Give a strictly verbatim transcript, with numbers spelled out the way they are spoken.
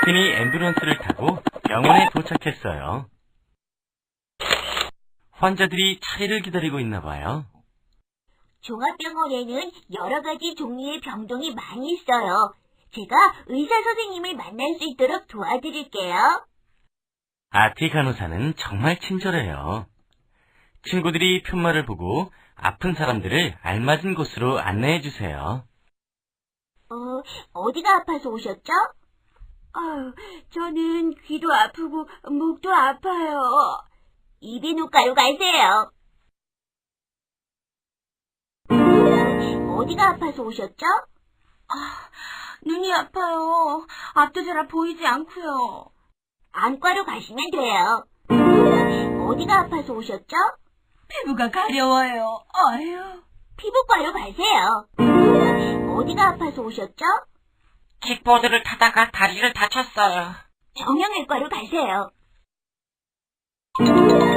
덕분이 앰뷸런스를 타고 병원에 도착했어요. 환자들이 차례를 기다리고 있나 봐요. 종합병원에는 여러 가지 종류의 병동이 많이 있어요. 제가 의사 선생님을 만날 수 있도록 도와드릴게요. 아티 간호사는 정말 친절해요. 친구들이 편말을 보고 아픈 사람들을 알맞은 곳으로 안내해 주세요. 어, 어디가 아파서 오셨죠? 아유, 저는 귀도 아프고 목도 아파요. 이비인후과로 가세요. 어디가 아파서 오셨죠? 아, 눈이 아파요. 앞도 잘 보이지 않고요. 안과로 가시면 돼요. 어디가 아파서 오셨죠? 피부가 가려워요. 아유. 피부과로 가세요. 어디가 아파서 오셨죠? 킥보드를 타다가 다리를 다쳤어요. 정형외과로 가세요.